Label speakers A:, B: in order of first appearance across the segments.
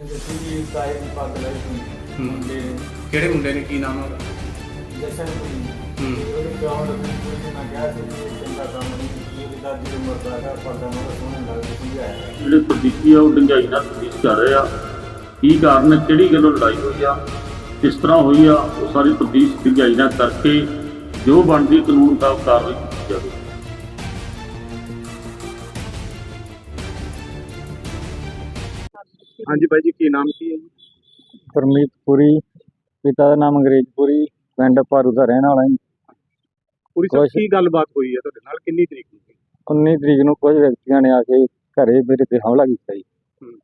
A: जैसे कि ताए की पग लाई थी मुंडे ने
B: ਕਿਹੜੇ ਮੁੰਡੇ ਨੇ, ਕੀ ਨਾਮ ਹੈ ਉਹਦਾ?
A: जशनपुरी ਉਹਦੇ ਪਿਓ ਨੂੰ ਪੁਲਿਸ ਨੇ ਕਿਹਾ ਸੀ ਕਿ ਇਹ ਚੰਗਾ ਕੰਮ ਨਹੀਂ, ਇਹਦੀ ਦਾਦੀ ਉਮਰ ਦਾ ਹੈਗਾ, ਪੱਗਾਂ ਨੂੰ ਸੋਹਣੇ ਲੱਗਦੇ ਸਮਝਾਇਆ।
C: ਜਿਹੜੇ ਪ੍ਰਦੀਪੀ ਆ ਉਹ ਡੂੰਘਾਈ ਨਾਲ ਤਫਤੀਸ਼ ਕਰ ਰਹੇ ਆ। ਕੀ ਕਾਰਨ ਹੈ, ਕਿਹੜੀ ਗੱਲੋਂ ਲੜਾਈ ਹੋਈ ਆ, ਕਿਸ ਤਰ੍ਹਾਂ ਹੋਈ ਆ, ਉਹ ਸਾਰੀ ਤਫਤੀਸ਼ ਡੂੰਘਾਈ ਨਾਲ ਕਰਕੇ ਜੋ ਬਣਦੀ ਕਾਨੂੰਨ ਮੁਤਾਬਕ ਕਾਰਵਾਈ ਕੀਤੀ ਜਾਵੇ।
B: ਹਾਂਜੀ ਬਾਈ ਜੀ, ਕੀ ਨਾਮ ਕੀ ਹੈ ਜੀ?
D: ਗੁਰਮੀਤ ਪੁਰੀ, ਪਿਤਾ ਦਾ ਨਾਮ ਅੰਗਰੇਜ਼ਪੁਰੀ, ਪਿੰਡ ਭਾਰੂ ਦਾ ਰਹਿਣ ਵਾਲਾ ਜੀ।
B: ਪੂਰੀ ਸਭ ਕੀ ਗੱਲਬਾਤ ਹੋਈ ਹੈ ਤੁਹਾਡੇ ਨਾਲ, ਕਿੰਨੀ ਤਰੀਕ ਨੂੰ?
D: 19 ਤਰੀਕ ਨੂੰ ਕੁਝ ਵਿਅਕਤੀਆਂ ਨੇ ਆ ਕੇ ਘਰੇ ਮੇਰੇ ਤੇ ਹਮਲਾ ਕੀਤਾ ਜੀ।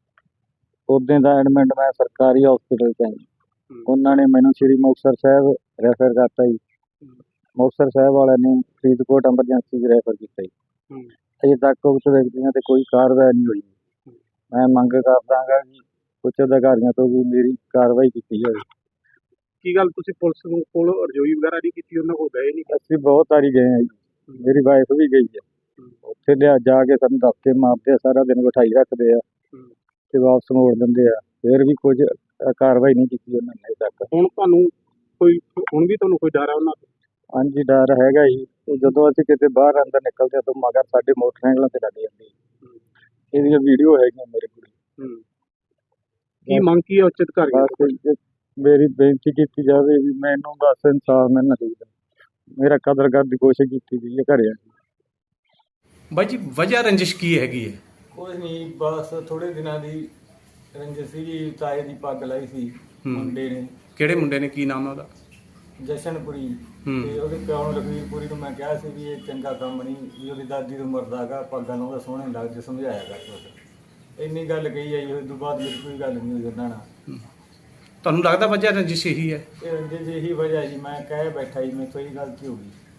D: ਉਦੋਂ ਦਾ ਐਡਮਿਟ ਮੈਂ ਸਰਕਾਰੀ ਹਸਪੀਟਲ 'ਚ ਆਈ। ਉਹਨਾਂ ਨੇ ਮੈਨੂੰ ਸ੍ਰੀ ਮੁਕਤਸਰ ਸਾਹਿਬ ਰੈਫਰ ਕਰਤਾ ਜੀ। ਮੁਕਤਸਰ ਸਾਹਿਬ ਵਾਲਿਆਂ ਨੇ ਫਰੀਦਕੋਟ ਐਮਰਜੈਂਸੀ 'ਚ ਰੈਫਰ ਕੀਤਾ ਜੀ। ਅਜੇ ਤੱਕ ਉਸ ਵਿਅਕਤੀਆਂ ਤੇ ਕੋਈ ਕਾਰਵਾਈ ਨਹੀਂ ਹੋਈ। ਮੈਂ ਮੰਗ ਕਰਦਾ ਹਾਂ ਕਿ ਉੱਚ ਅਧਿਕਾਰੀਆਂ ਤੋਂ ਵੀ ਮੇਰੀ ਕਾਰਵਾਈ ਕੀਤੀ ਜਾਵੇ।
B: ਕੀ ਗੱਲ, ਤੁਸੀਂ ਪੁਲਿਸ ਨੂੰ ਕੋਲ ਰਜੋਈ ਵਗੈਰਾ ਨਹੀਂ ਕੀਤੀ, ਉਹਨਾਂ ਕੋਲ ਗਏ ਨਹੀਂ?
D: ਅਸੀਂ ਬਹੁਤ ਵਾਰੀ ਗਏ ਹਾਂ ਜੀ, ਮੇਰੀ ਵਾਈਫ ਵੀ ਗਈ ਹੈ। ਉੱਥੇ ਜਾ ਕੇ ਸਾਨੂੰ ਦਫ਼ਤੇ ਮਾਰਦੇ ਆ, ਸਾਰਾ ਦਿਨ ਬਿਠਾਈ ਰੱਖਦੇ ਆ ਤੇ ਵਾਪਸ ਮੋੜ ਦਿੰਦੇ ਆ। ਫਿਰ ਵੀ ਕੁਝ ਕਾਰਵਾਈ ਨਹੀਂ ਕੀਤੀ ਉਹਨਾਂ ਨੇ ਅਜੇ ਤੱਕ।
B: ਹੁਣ ਵੀ ਤੁਹਾਨੂੰ ਕੋਈ ਡਰ ਹੈ ਉਹਨਾਂ ਤੋਂ?
D: ਹਾਂਜੀ, ਡਰ ਹੈਗਾ ਜੀ। ਤੇ ਜਦੋਂ ਅਸੀਂ ਕਿਤੇ ਬਾਹਰ ਅੰਦਰ ਨਿਕਲਦੇ ਤਾਂ ਮਗਰ ਸਾਡੇ ਮੋਟਰਸਾਈਕਲਾਂ ਤੇ ਲੱਗ ਜਾਂਦੀ। ਇਹਦੀਆਂ ਵੀਡੀਓ ਹੈਗੀਆਂ ਮੇਰੇ ਕੋਲ।
B: ਕੀ ਮੰਗ ਕੀ ਹੈ ਉੱਚ ਅਧਿਕਾਰੀਆਂ ਤੋਂ?
D: ਮੇਰੀ ਬੇਨਤੀ ਕੀਤੀ ਜਾਵੇ ਵੀ ਮੈਨੂੰ ਬਸ ਇਨਸਾਫ ਮਿਲਣਾ ਚਾਹੀਦਾ। ਮੇਰਾ ਕਦਰ ਕਰਨ ਦੀ ਕੋਸ਼ਿਸ਼ ਕੀਤੀ ਗਈ ਹੈ ਘਰੇ।
B: ਬਾਈ ਜੀ, ਵਜ੍ਹਾ ਰੰਜਿਸ਼ ਕੀ ਹੈਗੀ ਹੈ?
A: ਕੁਝ ਨਹੀਂ, ਬਸ ਥੋੜੇ ਦਿਨਾਂ ਦੀ ਰੰਜਿਸ਼ ਸੀ। ਤਾਏ ਦੀ ਪੱਗ ਲਾਈ ਸੀ ਮੁੰਡੇ ਨੇ।
B: ਕਿਹੜੇ ਮੁੰਡੇ ਨੇ, ਕੀ ਨਾਮ ਹੈ ਉਹਦਾ?
A: ਜਸ਼ਨਪੁਰੀ ਤੇ ਉਹਦੇ ਪਿਓ ਨੂੰ ਲਖਵੀਰਪੁਰੀ ਨੂੰ ਮੈਂ ਕਿਹਾ ਸੀ ਵੀ ਇਹ ਚੰਗਾ ਕੰਮ ਨਹੀਂ, ਵੀ ਉਹਦੀ ਦਾਦੀ ਦੀ ਉਮਰ ਦਾ ਹੈਗਾ, ਪੱਗਾਂ ਨੂੰ ਸੋਹਣੇ ਲੱਗਦੇ ਸਮਝਾਇਆ ਕਰ। ਇੰਨੀ ਗੱਲ ਕਹੀ ਹੈ ਜੀ। ਉਸ ਤੋਂ ਬਾਅਦ ਮੇਰੀ ਕੋਈ ਗੱਲ ਨਹੀਂ ਹੋਈ ਉਹਨਾਂ ਨਾਲ।
B: ਤੁਹਾਨੂੰ ਲੱਗਦਾ ਵਜ੍ਹਾ ਰੰਜਿਸ਼ ਇਹੀ ਹੈ?
A: ਇਹ ਰੰਜਿਸ਼ ਇਹੀ ਵਜ੍ਹਾ ਜੀ, ਮੈਂ ਕਹਿ ਬੈਠਾ ਜੀ, ਮੇਰੇ ਤੋਂ ਇਹ ਗਲਤੀ ਹੋ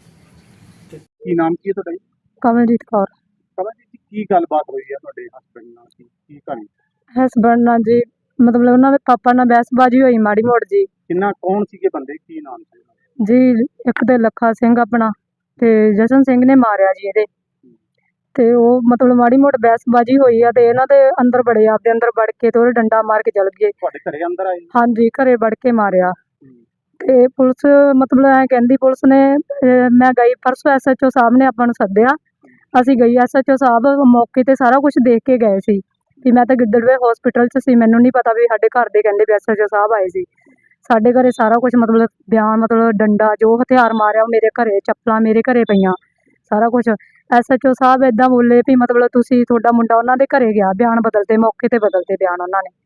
A: ਗਈ।
B: ਕੀ ਨਾਮ ਕੀ ਹੈ ਤੁਹਾਡਾ ਜੀ?
E: ਕਮਲਜੀਤ ਕੌਰ।
B: ਕਮਲਜੀਤ, ਕੀ ਗੱਲਬਾਤ ਹੋਈ ਹੈ ਤੁਹਾਡੇ ਹਸਬੈਂਡ ਨਾਲ? ਕੀ ਕਹਾਣੀ?
E: ਹਸਬੈਂਡ ਨਾਲ ਜੀ, ਮਤਲਬ ਉਹਨਾਂ ਦੇ ਪਾਪਾ ਨਾਲ ਬਹਿਸਬਾਜ਼ੀ ਹੋਈ ਮਾੜੀ ਮੋੜ ਜੀ।
B: ਕੌਣ ਸੀਗੇ ਬੰਦੇ, ਕੀ ਨਾਮ ਸੀ?
E: ਜੀ ਇੱਕ ਤੇ ਲੱਖਾ ਸਿੰਘ ਆਪਣਾ ਤੇ ਜਸ਼ਨ ਸਿੰਘ ਨੇ ਮਾਰਿਆ ਜੀ ਇਹਦੇ। ਤੇ ਉਹ ਮਤਲਬ ਮਾੜੀ ਮੋੜ ਬਹਿਸਬਾਜ਼ੀ ਹੋਈ ਆ ਤੇ ਇਹਨਾਂ ਦੇ ਅੰਦਰ ਬੜੇ, ਆਪਦੇ ਅੰਦਰ ਵੜ ਕੇ ਤੇ ਉਹਦੇ ਡੰਡਾ ਮਾਰ ਕੇ ਚਲ ਗਏ।
B: ਤੁਹਾਡੇ ਘਰੇ ਅੰਦਰ ਆਏ?
E: ਹਾਂਜੀ, ਘਰੇ ਵੜ ਕੇ ਮਾਰਿਆ। ਤੇ ਪੁਲਿਸ ਮਤਲਬ ਐ ਕਹਿੰਦੀ, ਪੁਲਿਸ ਨੇ ਮੈਂ ਗਈ ਪਰਸੋਂ, SHO ਸਾਹਿਬ ਨੇ ਆਪਾਂ ਨੂੰ ਸੱਦਿਆ। ਅਸੀਂ ਗਈ, SHO ਸਾਹਿਬ ਮੌਕੇ ਤੇ ਸਾਰਾ ਕੁਝ ਦੇਖ ਕੇ ਗਏ ਸੀ। ਵੀ ਮੈਂ ਤਾਂ ਗਿੱਦੜਵੇ ਹਸਪੀਟਲ 'ਚ ਸੀ, ਮੈਨੂੰ ਨਹੀਂ ਪਤਾ ਵੀ ਸਾਡੇ ਘਰ ਦੇ ਕਹਿੰਦੇ ਵੀ SHO ਸਾਹਿਬ ਆਏ ਸੀ। ਸਾਡੇ ਘਰੇ ਸਾਰਾ ਕੁਝ ਮਤਲਬ ਬਿਆਨ, ਮਤਲਬ ਡੰਡਾ ਜੋ ਹਥਿਆਰ ਮਾਰਿਆ ਉਹ ਮੇਰੇ ਘਰੇ, ਚੱਪਲਾਂ ਮੇਰੇ ਘਰੇ ਪਈਆਂ, ਸਾਰਾ ਕੁਝ। SHO ਸਾਹਿਬ ਇੱਦਾਂ ਬੋਲੇ ਵੀ ਮਤਲਬ ਤੁਸੀਂ, ਤੁਹਾਡਾ ਮੁੰਡਾ ਉਹਨਾਂ ਦੇ ਘਰੇ ਗਿਆ, ਬਿਆਨ ਬਦਲਦੇ, ਮੌਕੇ ਤੇ ਬਦਲਦੇ ਬਿਆਨ ਉਹਨਾਂ ਨੇ।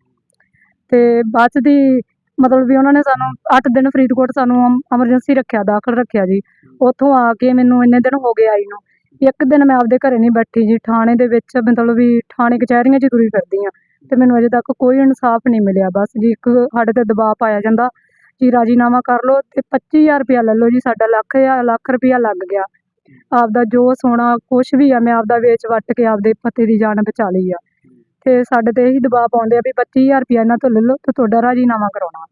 E: ਤੇ ਬਾਅਦ ਦੀ ਮਤਲਬ ਵੀ ਉਹਨਾਂ ਨੇ ਸਾਨੂੰ 8 ਦਿਨ ਫਰੀਦਕੋਟ ਸਾਨੂੰ ਐਮਰਜੈਂਸੀ ਰੱਖਿਆ, ਦਾਖਲ ਰੱਖਿਆ ਜੀ। ਉੱਥੋਂ ਆ ਕੇ ਮੈਨੂੰ ਇੰਨੇ ਦਿਨ ਹੋ ਗਏ ਆਈ ਨੂੰ, ਇੱਕ ਦਿਨ ਮੈਂ ਆਪਦੇ ਘਰੇ ਨਹੀਂ ਬੈਠੀ ਜੀ। ਥਾਣੇ ਦੇ ਵਿੱਚ ਮਤਲਬ ਵੀ ਥਾਣੇ ਕਚਹਿਰੀਆਂ 'ਚ ਤੁਰੀ ਫਿਰਦੀ ਹਾਂ ਤੇ ਮੈਨੂੰ ਅਜੇ ਤੱਕ ਕੋਈ ਇਨਸਾਫ ਨਹੀਂ ਮਿਲਿਆ। ਬਸ ਜੀ ਇੱਕ ਸਾਡੇ ਤੇ ਦਬਾਅ ਪਾਇਆ ਜਾਂਦਾ ਜੀ, ਰਾਜੀਨਾਮਾ ਕਰ ਲਓ ਤੇ 25,000 ਰੁਪਇਆ ਲੈ ਲਓ ਜੀ। ਸਾਡਾ ਲੱਖ ਰੁਪਇਆ ਲੱਗ ਗਿਆ। ਆਪਦਾ ਜੋ ਸੋਨਾ ਕੁਛ ਵੀ ਆ ਮੈਂ ਆਪਦਾ ਵੇਚ ਵੱਟ ਕੇ ਆਪਦੇ ਪਤੀ ਦੀ ਜਾਨ ਬਚਾ ਲਈ ਆ। ਤੇ ਸਾਡੇ ਤੇ ਇਹੀ ਦਬਾਅ ਪਾਉਂਦੇ ਆ ਵੀ 25,000 ਰੁਪਇਆ ਇਹਨਾਂ ਤੋਂ ਲੈ ਲਓ ਤੇ ਤੁਹਾਡਾ ਰਾਜੀਨਾਮਾ ਕਰਾਉਣਾ।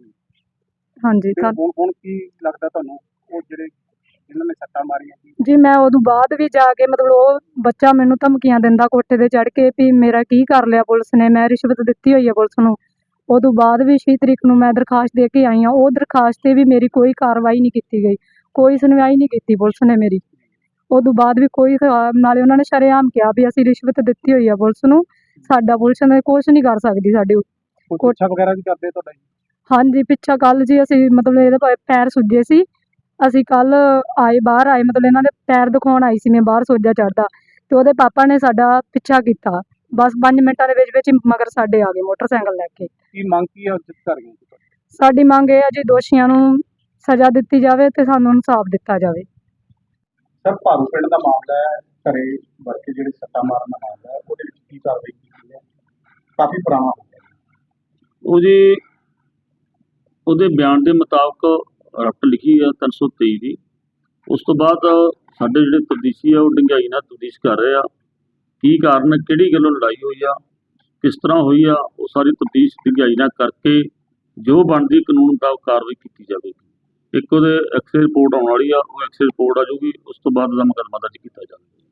E: ਹਾਂਜੀ।
B: ਹੁਣ ਕੀ ਲੱਗਦਾ ਤੁਹਾਨੂੰ, ਉਹ ਜਿਹੜੇ ਇਹਨਾਂ ਨੇ ਸੱਟਾਂ ਮਾਰੀਆਂ
E: ਜੀ, ਮੈਂ ਉਦੋਂ ਬਾਅਦ ਵੀ ਜਾ ਕੇ ਮਤਲਬ ਉਹ ਬੱਚਾ ਮੈਨੂੰ ਧਮਕੀਆਂ ਦਿੰਦਾ ਕੋਠੇ ਤੇ ਚੜ੍ਹ ਕੇ ਵੀ ਮੇਰਾ ਕੀ ਕਰ ਲਿਆ ਪੁਲਿਸ ਨੇ, ਮੈਂ ਰਿਸ਼ਵਤ ਦਿੱਤੀ ਹੋਈ ਹੈ ਪੁਲਿਸ ਨੂੰ। ਉਦੋਂ ਬਾਅਦ ਵੀ 6 ਤਰੀਕ ਨੂੰ ਮੈਂ ਦਰਖਾਸਤ ਦੇ ਕੇ ਆਈ ਹਾਂ। ਉਹ ਦਰਖਾਸਤ 'ਤੇ ਵੀ ਮੇਰੀ ਕੋਈ ਕਾਰਵਾਈ ਨਹੀਂ ਕੀਤੀ ਗਈ, ਕੋਈ ਸੁਣਵਾਈ ਨਹੀਂ ਕੀਤੀ ਪੁਲਿਸ ਨੇ ਮੇਰੀ। ਉਦੋਂ ਬਾਅਦ ਵੀ ਕੋਈ, ਨਾਲੇ ਉਹਨਾਂ ਨੇ ਸ਼ਰੇਆਮ ਕਿਹਾ ਵੀ ਅਸੀਂ ਰਿਸ਼ਵਤ ਦਿੱਤੀ ਹੋਈ ਆ ਪੁਲਿਸ ਨੂੰ, ਸਾਡਾ ਪੁਲਿਸ ਨੇ ਕੁਛ ਨਹੀਂ ਕਰ ਸਕਦੀ ਸਾਡੇ।
B: ਪੁੱਛਾ ਵਗੈਰਾ ਵੀ ਕਰਦੇ ਤੁਹਾਡਾ ਜੀ? ਹਾਂਜੀ,
E: ਪਿੱਛਾ ਕੱਲ ਜੀ ਅਸੀਂ ਮਤਲਬ ਇਹਦੇ ਪੈਰ ਸੁੱਜੇ ਸੀ, ਅਸੀਂ ਕੱਲ ਬਾਹਰ ਆਏ, ਮਤਲਬ ਇਹਨਾਂ ਦੇ ਪੈਰ ਦਿਖਾਉਣ ਆਈ ਸੀ ਮੈਂ ਬਾਹਰ, ਸੋਜਾ ਚੜ੍ਹਦਾ ਤੇ ਉਹਦੇ ਪਾਪਾ ਨੇ ਸਾਡਾ ਪਿੱਛਾ ਕੀਤਾ। ਬਸ 5 ਮਿੰਟਾਂ ਦੇ ਵਿੱਚ ਹੀ ਮਗਰ ਸਾਡੇ ਆ ਗਏ ਮੋਟਰਸਾਈਕਲ ਲੈ ਕੇ।
B: ਕੀ ਮੰਗ ਕੀ ਆ ਅਧਿਕਾਰੀਆਂ ਤੋਂ?
E: ਸਾਡੀ ਮੰਗ ਇਹ ਆ ਜੀ, ਦੋਸ਼ੀਆਂ ਨੂੰ ਸਜ਼ਾ ਦਿੱਤੀ ਜਾਵੇ ਤੇ ਸਾਨੂੰ ਇਨਸਾਫ ਦਿੱਤਾ ਜਾਵੇ।
B: ਸਰ, ਭਾਰੂ ਪਿੰਡ ਦਾ ਮਾਮਲਾ ਹੈ, ਘਰੇ ਵੜ ਕੇ ਜਿਹੜੇ ਸੱਟਾਂ ਮਾਰਨ ਦਾ ਮਾਮਲਾ ਹੈ, ਉਹਦੇ ਵਿੱਚ ਕੀ ਕਾਰਵਾਈ ਕੀਤੀ ਹੈ? ਕਾਫੀ ਪੁਰਾਣਾ ਹੋ ਗਿਆ
C: ਉਹ ਜੀ, ਉਹਦੇ ਬਿਆਨ ਦੇ ਮੁਤਾਬਕ ਰਪਟ ਲਿਖੀ ਆ 323 ਦੀ। ਉਸ ਤੋਂ ਬਾਅਦ ਸਾਡੇ ਜਿਹੜੇ ਤਫਤੀਸ਼ੀ ਆ ਉਹ ਡੂੰਘਾਈ ਨਾਲ ਤਫਤੀਸ਼ ਕਰ ਰਹੇ ਆ। ਕੀ ਕਾਰਨ, ਕਿਹੜੀ ਗੱਲੋਂ ਲੜਾਈ ਹੋਈ ਆ, ਕਿਸ ਤਰ੍ਹਾਂ ਹੋਈ ਆ, ਉਹ ਸਾਰੀ ਤਫਤੀਸ਼ ਡੂੰਘਾਈ ਨਾਲ ਕਰਕੇ ਜੋ ਬਣਦੀ ਕਾਨੂੰਨ ਮੁਤਾਬਕ ਕਾਰਵਾਈ ਕੀਤੀ ਜਾਵੇਗੀ। ਇੱਕ ਉਹਦੇ ਐਕਸ-ਰੇ ਰਿਪੋਰਟ ਆਉਣ ਵਾਲੀ ਆ, ਉਹ ਐਕਸ-ਰੇ ਰਿਪੋਰਟ ਆ ਜਾਊਗੀ, ਉਸ ਤੋਂ ਬਾਅਦ ਉਹਦਾ ਮੁਕੱਦਮਾ ਦਰਜ ਕੀਤਾ ਜਾਵੇਗਾ।